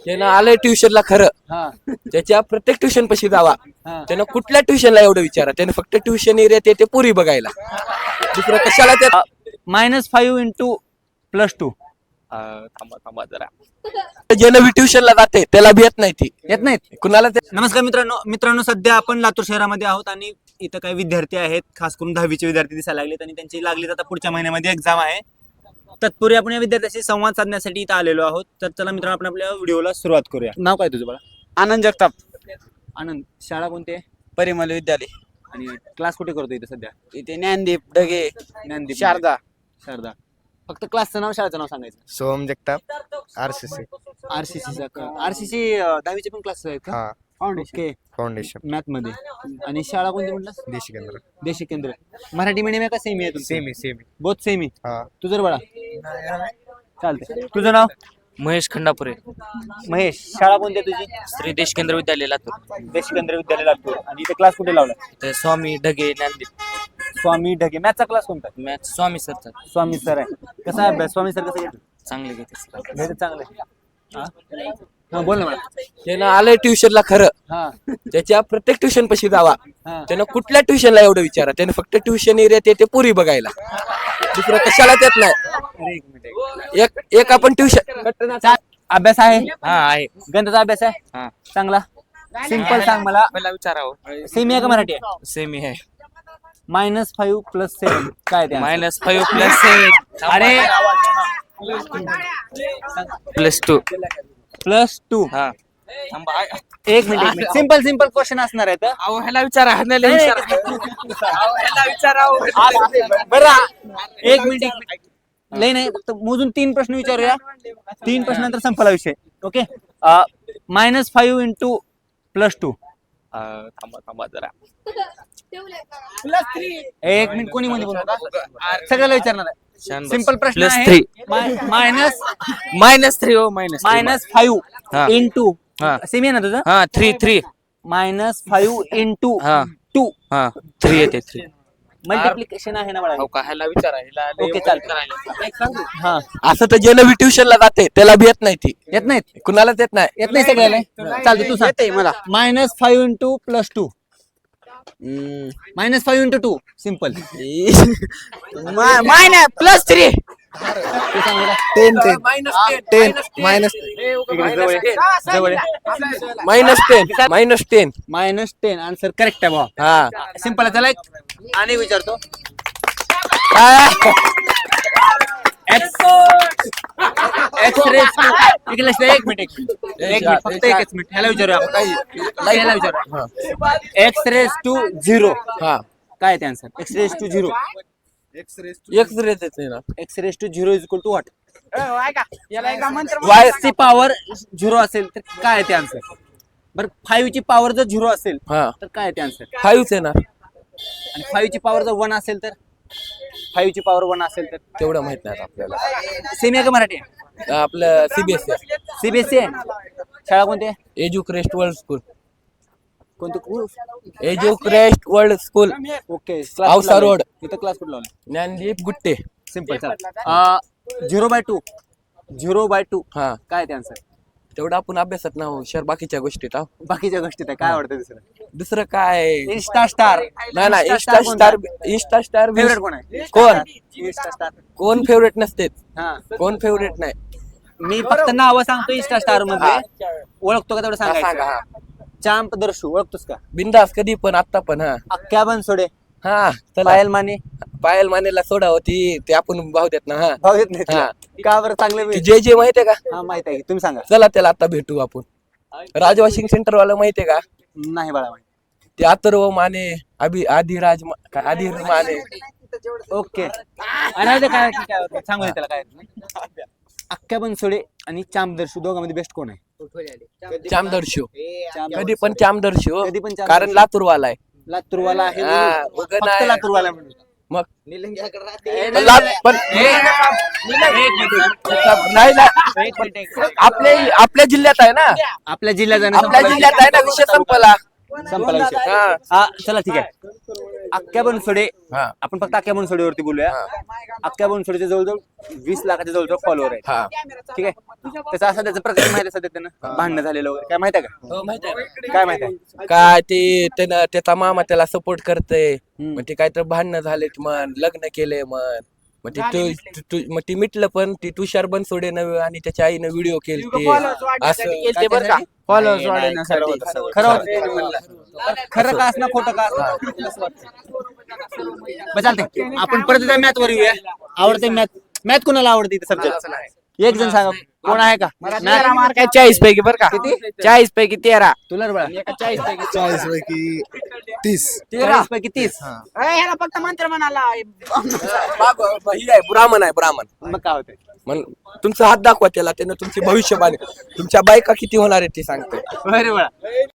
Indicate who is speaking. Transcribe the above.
Speaker 1: त्यानं आलंय ट्युशनला खरं. त्याच्या प्रत्येक ट्युशन पशी जावा. त्यानं कुठल्या ट्युशनला एवढं विचारा. त्यानं फक्त ट्युशन एरियात येते पुरी बघायला, दुसरं कशाला त्या.
Speaker 2: -5 इंटू +2.
Speaker 1: थांबा जरा. ज्यानं ट्युशनला जाते त्याला बी येत नाही ती.
Speaker 2: येत नाहीत
Speaker 1: कुणाला ते.
Speaker 2: नमस्कार मित्रांनो सध्या आपण लातूर शहरामध्ये आहोत आणि इथं काही विद्यार्थी आहेत, खास करून 10वीचे विद्यार्थी दिसायला लागलेत आणि त्यांची लागली आता पुढच्या महिन्यामध्ये एक्झाम आहे. तत्पूर्वी आपण या विद्यार्थ्याशी संवाद साधण्यासाठी इथं आलेलो आहोत. तर चला मित्रांनो, आपण आपल्या व्हिडिओला सुरुवात करूया. नाव काय तुझं बाळा?
Speaker 3: आनंद जगताप.
Speaker 2: आनंद. शाळा कोणती आहे?
Speaker 3: परिमल विद्यालय.
Speaker 2: आणि क्लास कुठे करतो इथं सध्या?
Speaker 3: इथे ज्ञानदीप ढगे
Speaker 2: ज्ञानदीप.
Speaker 3: शारदा.
Speaker 2: फक्त क्लासचं नाव, शाळेचं नाव सांगायचं.
Speaker 3: सोहम जगताप RCC.
Speaker 2: आरसीसी 10वीचे पण क्लास आहेत का? ओके.
Speaker 3: फाउंडेशन
Speaker 2: मॅथ मध्ये. आणि शाळा कोणती म्हटलं?
Speaker 3: देशी केंद्र.
Speaker 2: देशी केंद्र. मराठी मीडियम आहे का सेमी आहे?
Speaker 3: सेमी.
Speaker 2: Both semi.
Speaker 3: हा.
Speaker 2: तुझं बाळा? चालतंय. तुझं नाव?
Speaker 1: महेश खंडापुरे.
Speaker 2: महेश. शाळा कोणती आहे तुझी?
Speaker 1: श्री देश केंद्र विद्यालय लातूर.
Speaker 2: देशी केंद्र विद्यालय लातूर. आणि इथे क्लास कुठे लावला?
Speaker 1: ते स्वामी ढगे ज्ञानदीप.
Speaker 2: स्वामी ढगे. मॅथचा क्लास कोणता?
Speaker 1: मॅथ स्वामी सरचा.
Speaker 2: स्वामी सर आहे. कसा आहे अभ्यास? स्वामी सर कसं घेतो?
Speaker 1: चांगले घेते सर.
Speaker 2: घेतो चांगलं. हा बोल ना मला.
Speaker 1: त्यानं आलंय ट्युशनला खरं. त्याच्या प्रत्येक ट्युशन पशी जावा. त्यानं कुठल्या ट्युशनला एवढं विचारा. त्यानं फक्त ट्युशन एरियात येते पुरी बघायला, दुसरं कशाला येत नाही. एक आपण ट्युशन.
Speaker 2: अभ्यास आहे?
Speaker 1: हा आहे.
Speaker 2: गणिताचा अभ्यास आहे?
Speaker 1: हा.
Speaker 2: चांगला. सिंपल सांग मला.
Speaker 1: मला विचारावं.
Speaker 2: सेमी आहे का मराठी आहे?
Speaker 1: सेमी आहे.
Speaker 2: -5 + 7 काय ते?
Speaker 1: -5 + 7.
Speaker 2: अरे
Speaker 1: +2.
Speaker 2: +2.
Speaker 1: हा.
Speaker 2: एक मिनिट. सिंपल क्वेश्चन असणार आहे.
Speaker 1: अहो ह्याला विचारा.
Speaker 2: बरं एक मिनिट. लय नाही, फक्त मोजून 3 प्रश्न विचारूया. 3 प्रश्नानंतर संपला विषय. ओके. -5 इंटू +2.
Speaker 1: थांबा जरा.
Speaker 2: एक मिनिट. कोणी मध्ये बोलू नका, सगळ्याला विचारणार आहे. सिंपल प्रश्न आहे.
Speaker 1: +3.
Speaker 2: -3
Speaker 1: हो.
Speaker 2: -5 इंटू. सेमी आहे ना तुझं?
Speaker 1: हा 3.
Speaker 2: -5 इंटू
Speaker 1: हा
Speaker 2: 2.
Speaker 1: हा 3 येते 3.
Speaker 2: मल्टिप्लिकेशन आहे ना बाळा?
Speaker 1: हो का? ह्याला विचारा.
Speaker 2: ओके चालतं. हा.
Speaker 1: असं तर ज्यानं ट्युशनला जाते त्याला बी येत नाही ती.
Speaker 2: येत नाहीत?
Speaker 1: कुणालाच येत नाही.
Speaker 2: येत नाही सगळ्याला. चालतं, तू सांग मला. -5 इंटू +2. -5 इंटू 2. सिंपल.
Speaker 1: +3.
Speaker 2: तू सांग मला.
Speaker 3: 10
Speaker 2: -10 आन्सर करेक्ट आहे भाऊ.
Speaker 1: हा.
Speaker 2: सिंपल आहे. चला एक आणि विचारतो. एक मिनिट फक्त एकच मिनिट. ह्याला विचारूया आपण. x⁻0
Speaker 1: हा.
Speaker 2: काय ते answer? x⁻0. x⁻0 is equal to what? y ची पॉवर 0 असेल तर काय आहे ते आन्सर? बरं 5 ची पॉवर जर 0 असेल
Speaker 1: हा.
Speaker 2: तर काय आहे ते आन्सर?
Speaker 1: 5 आहे ना.
Speaker 2: आणि 5 ची पॉवर जर 1 असेल तर? 5 ची पॉवर 1 असेल तर?
Speaker 1: तेवढं माहित नाही आपल्याला.
Speaker 2: सेमी आहे का मराठी आहे?
Speaker 1: आपलं CBSE.
Speaker 2: CBSE आहे. शाळा कोणती आहे?
Speaker 1: Educrest world school.
Speaker 2: कोणती?
Speaker 1: Educrest world school.
Speaker 2: Okay.
Speaker 1: Ausa road.
Speaker 2: इथं क्लास कुठं लावला?
Speaker 1: ज्ञानदीप गुट्टे.
Speaker 2: सिंपल. चला. 0/2
Speaker 1: हा.
Speaker 2: काय ते आन्सर?
Speaker 1: तेवढं आपण अभ्यासात ना हुशार. बाकीच्या गोष्टीत
Speaker 2: बाकीच्या गोष्टीत आहे. काय आवडतं दुसरं?
Speaker 1: दुसरं काय?
Speaker 2: Insta star.
Speaker 1: नाही इंस्टा स्टार
Speaker 2: फेवरेट कोण आहे?
Speaker 1: कोण?
Speaker 2: Insta star.
Speaker 1: कोण फेवरेट नसते.
Speaker 2: हा.
Speaker 1: कोण फेवरेट नाही.
Speaker 2: मी फक्त नाव सांगतो इंस्टा स्टार मध्ये. ओळखतो का तेवढं
Speaker 1: सांगा.
Speaker 2: सांगायचं?
Speaker 1: हा.
Speaker 2: चांप दर्शू ओळखतोस का?
Speaker 1: बिंदास कधी पण आता पण. हा.
Speaker 2: अख्ख्या बनसोडे.
Speaker 1: हा.
Speaker 2: पायल माने.
Speaker 1: पायल मानेला सोडा होती ते आपण भाव देत ना. हा.
Speaker 2: भाव येत नाही
Speaker 1: हा.
Speaker 2: तुला? का बरं? चांगले
Speaker 1: जे माहितीये का?
Speaker 2: हा माहित आहे. तुम्ही सांगा.
Speaker 1: चला त्याला आता भेटू आपण. राज वॉशिंग सेंटर वाला माहितीये का?
Speaker 2: नाही बाळा माहिती.
Speaker 1: ते अथर्व माने आदिराज माने.
Speaker 2: ओके. आणि काय सांगू दे त्याला. काय अख्ख्या बनसोडे आणि चांप दर्शू दोघांमध्ये बेस्ट कोण आहे?
Speaker 1: चामदर्शो. कधी पण चामदर्शो.
Speaker 2: कधी पण
Speaker 1: कारण लातूरवाला आहे.
Speaker 2: लातूरवाला आहे.
Speaker 1: हा,
Speaker 2: फक्त
Speaker 1: नाही.
Speaker 2: लातूरवाला म्हणून.
Speaker 1: मग
Speaker 2: पण
Speaker 1: आपल्या जिल्ह्यात आहे ना.
Speaker 2: आपल्या जिल्ह्यात
Speaker 1: आपल्या जिल्ह्यात आहे ना. विषय संपला.
Speaker 2: विषय. हा चला ठीक आहे. अख्ख्या बनसोडे
Speaker 1: हा.
Speaker 2: आपण फक्त अख्ख्या बनसोडेवरती बोलूया. अख्ख्या बनसोडेचे जवळजवळ 20 लाखाच्या जवळजवळ फॉलोअर आहेत.
Speaker 1: हा.
Speaker 2: ठीक आहे. त्याचा असा त्याचा प्रकार माहिती आहे सध्या त्यांना भांडणं झालेलं वगैरे काय माहिती आहे का?
Speaker 1: हो, माहिती आहे.
Speaker 2: काय माहिती आहे?
Speaker 1: काय ते त्यानं त्याचा मामा त्याला सपोर्ट करतय. मग ते काय तर भांडणं झालेत मन, लग्न केले मन. मग मग ती मिटलं, पण ती तुषार बनसोडेनं आणि त्याच्या आईनं व्हिडिओ केलते असं
Speaker 3: केलते बरं का? फॉलोअर्स वाढवण्यासाठी.
Speaker 2: खरं होतं ते म्हणलं. खरं का असणार खोटं का असणार? बरं चालतंय. आपण परत त्या मॅथ वर येऊया. आवडते मॅथ कोणाला आवडते सब्जेक्ट? एक जण सांगा कोण आहे का?
Speaker 3: 40 पैकी बरं का? 40 पैकी 13.
Speaker 2: तुला रे बाळा
Speaker 3: 40 पैकी
Speaker 4: 40 पैकी 30.
Speaker 2: 13 पैकी 30.
Speaker 3: ह्याला फक्त मंत्र म्हणाला.
Speaker 1: ही आहे ब्राह्मण आहे ब्राह्मण.
Speaker 2: मग काय होतंय?
Speaker 1: मग तुमचा हात दाखवा त्याला, त्यानं तुमची भविष्यवाणी तुमच्या बायका किती होणार आहे ते सांगतोय.
Speaker 2: अरे बाळा